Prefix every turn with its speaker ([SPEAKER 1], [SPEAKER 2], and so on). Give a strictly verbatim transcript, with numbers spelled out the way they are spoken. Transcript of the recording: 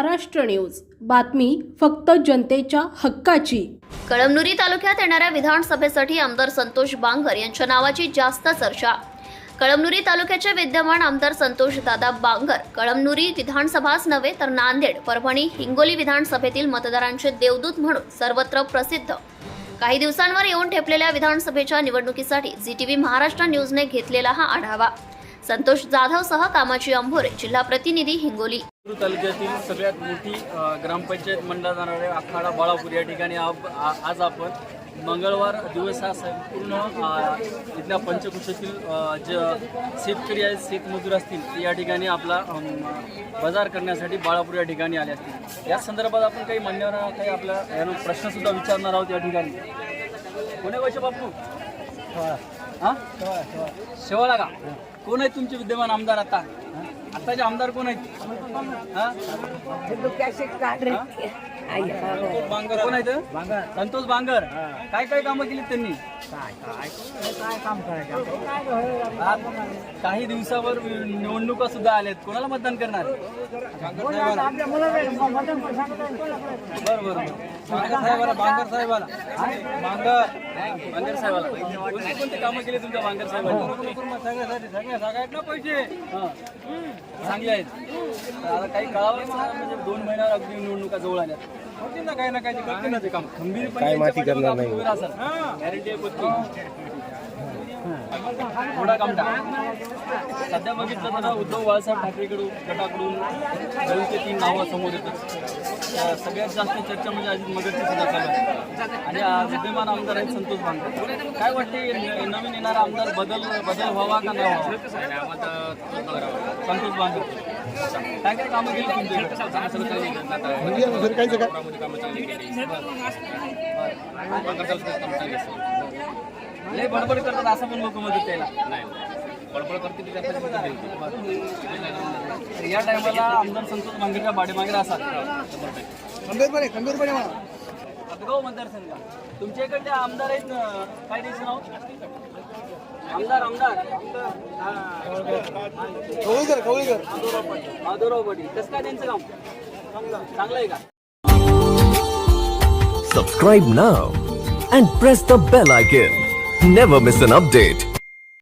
[SPEAKER 1] Maharashtra news, बातमी फक्त जनतेच्या हक्काची।
[SPEAKER 2] कळमनुरी तालुक्यात येणाऱ्या विधानसभेसाठी आमदार संतोष बांगर यांच्या नावाची जास्त चर्चा। कळमनुरी तालुक्याचे विद्यमान आमदार संतोष दादा बांगर कळमनुरी विधानसभाच नव्हे तर नांदेड, परभणी, हिंगोली विधानसभेतील मतदारांचे देवदूत म्हणून सर्वत्र प्रसिद्ध। काही दिवसांवर येऊन ठेपलेल्या विधानसभेच्या निवडणुकीसाठी झी टीव्ही महाराष्ट्र न्यूजने घेतलेला हा आढावा। संतोष जाधव सह कामाची अंभोरे, जिल्हा प्रतिनिधी, हिंगोली।
[SPEAKER 3] तालुक्यातील सगळ्यात मोठी ग्रामपंचायत मंडळ जाणारे आखाडा बाळापूर या ठिकाणी आज आपण मंगळवार दिवस हा संपूर्ण इथल्या पंचकृषीतील जे शेतकरी आहेत, शेतमजूर असतील, या ठिकाणी आपला बाजार करण्यासाठी बाळापूर या ठिकाणी आले असतील। या संदर्भात आपण काही मान्यवर काही आपल्या प्रश्न सुद्धा विचारणार आहोत या ठिकाणी। कोणी वैश्य बापू हां शेवाळा का कोण आहेत तुमचे विद्यमान आमदार? आता आताचे आमदार कोण आहेत? बांगर कोण आहेत? संतोष बांगर। काय काय कामं केली त्यांनी? काही दिवसावर निवडणुका सुद्धा आल्यात, कोणाला मतदान करणार? बरं बरं साहेबाला, बांगर साहेबाला, बांगर बांगर साहेबाला कोणती कोणती कामं केली तुमच्या बांगर साहेबांनी? सगळ्यात ना पैसे चांगले आहेत। आता काही काळावर म्हणजे दोन महिन्यावर अगदी निवडणुका जवळ आल्या, होतील ना काही ना काही करते ना ते काम खंबीरपणे माती करणार नाही गॅरंटी आहे पत्ती थोडा काम टाक। सध्या बघितलं तर उद्धव बाळासाहेब ठाकरेकडून गटाकडून दोन ते तीन नावं समोर येतात। सगळ्यात जास्त चर्चा म्हणजे अजित मगरची सुद्धा चालू आहे आणि विद्यमान आमदार आहेत संतोष बांगर। काय वाटते नवीन येणारा आमदार बदल बदल व्हावा का नाही व्हावा? संतोष बांगर काय काय कामं केली तुमची? लय बडबड करतात असं पण लोक मदत त्याला नाही बडबड करते। या टायमाला आमदार संतोष बांगरच्या पाठीमागे असाल खंबीरपणे खंबीरपणे गाव मतदारसंघ तुमच्या इकडचे आमदार आहेत, काय द्यायचं नाव? आमदार आमदार कवळीकर कवळीकर माधवराव पाटील। कसं काय त्यांचं काम? चांगलं आहे का?
[SPEAKER 4] Subscribe now and press the bell icon. Never miss an update.